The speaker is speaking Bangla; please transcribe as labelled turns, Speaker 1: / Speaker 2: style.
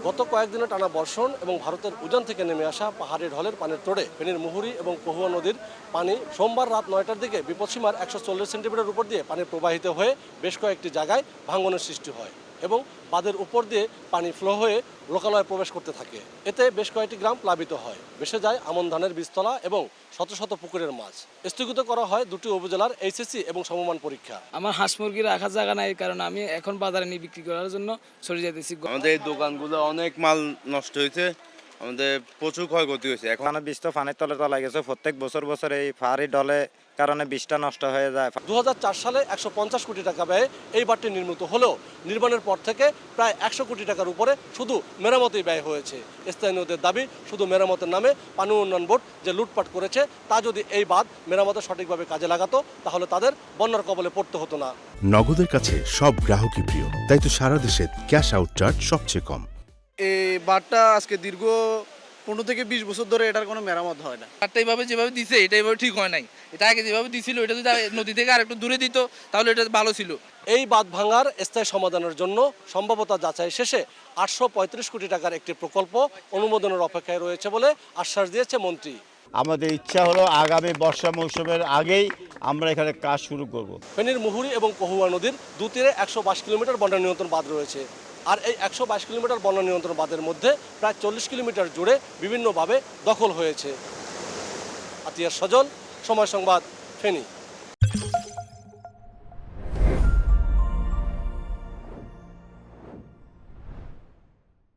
Speaker 1: গত কয়েকদিনে টানা বর্ষণ এবং ভারতের উজান থেকে নেমে আসা পাহাড়ি ঢলের পানির তোড়ে ফেনীর মুহুরী এবং কহুয়া নদীর পানি সোমবার রাত 9টার দিকে বিপদসীমার 140 সেন্টিমিটার উপর দিয়ে পানি প্রবাহিত হয়ে বেশ কয়েকটি জায়গায় ভাঙনের সৃষ্টি হয় এবং বাঁধের উপর দিয়ে পানি ফ্লো হয়ে লোকালয়ে প্রবেশ করতে থাকে। এতে বেশ কয়েকটি গ্রাম প্লাবিত হয়, ভেসে যায় আমন ধানের বীজতলা এবং শত শত পুকুরের মাছ। স্থগিত করা হয় দুটি উপজেলার এইচএসসি এবং সমমান পরীক্ষা।
Speaker 2: আমার হাঁস মুরগি রাখার জায়গা নাই, কারণ আমি এখন বাজারে নিয়ে বিক্রি করার জন্য চলে যেতেছি।
Speaker 3: আমাদের এই দোকানগুলো অনেক মাল নষ্ট হয়েছে, আমাদের প্রচুর ক্ষয়ক্ষতি হয়েছে। এখন
Speaker 4: বীজ তো পানির তলে তলায় গেছে। প্রত্যেক বছর এই পাহাড়ি ঢলে কারণে বীজটা নষ্ট হয়ে যায়।
Speaker 1: 2004 সালে 150 কোটি টাকা ব্যয়ে এই বাঁধটি নির্মিত হলেও নির্মাণের পর থেকে প্রায় 100 কোটি টাকার উপরে শুধু মেরামতেই ব্যয় হয়েছে। স্থানীয়দের দাবি, শুধু মেরামতের নামে পানি উন্নয়ন বোর্ড যে লুটপাট করেছে, তা যদি এই বাঁধ মেরামতে সঠিকভাবে কাজে লাগাতো তাহলে তাদের বন্যার কবলে পড়তে হতো না।
Speaker 5: নগদের কাছে সব গ্রাহকই প্রিয়, তাই তো সারা দেশে ক্যাশ আউট চার্জ সবচেয়ে কম।
Speaker 6: এই বাঁধটা আজকে দীর্ঘ 15 থেকে 20 বছর ধরে এটার কোনো মেরামত হয় না।
Speaker 7: বাঁধটা এইভাবে যেভাবে দিছে এটা এইভাবে ঠিক হয় নাই। এটা আগে যেভাবে দিছিল এটা যদি নদী থেকে আরেকটু দূরে দিত তাহলে এটা ভালো ছিল।
Speaker 1: এই বাঁধ ভাঙার স্থায়ী সমাধানের জন্য সম্ভাব্যতা যাচাই শেষে 835 কোটি টাকার একটি প্রকল্প অনুমোদনের অপেক্ষায় রয়েছে বলে আশ্বাস দিয়েছে মন্ত্রী।
Speaker 8: আমাদের ইচ্ছা হলো আগামী বর্ষা মৌসুমের আগেই আমরা এখানে কাজ শুরু করব।
Speaker 1: ফেনীর মুহুরী এবং কহুয়া নদীর দুতীরে 122 কিলোমিটার বন্যা নিয়ন্ত্রণ বাঁধ রয়েছে। আর এই 122 কিলোমিটার বন্যা নিয়ন্ত্রণ বাঁধের মধ্যে প্রায় 40 কিলোমিটার জুড়ে বিভিন্নভাবে দখল হয়েছে। আতিয়ার সজল, সময় সংবাদ, ফেনী।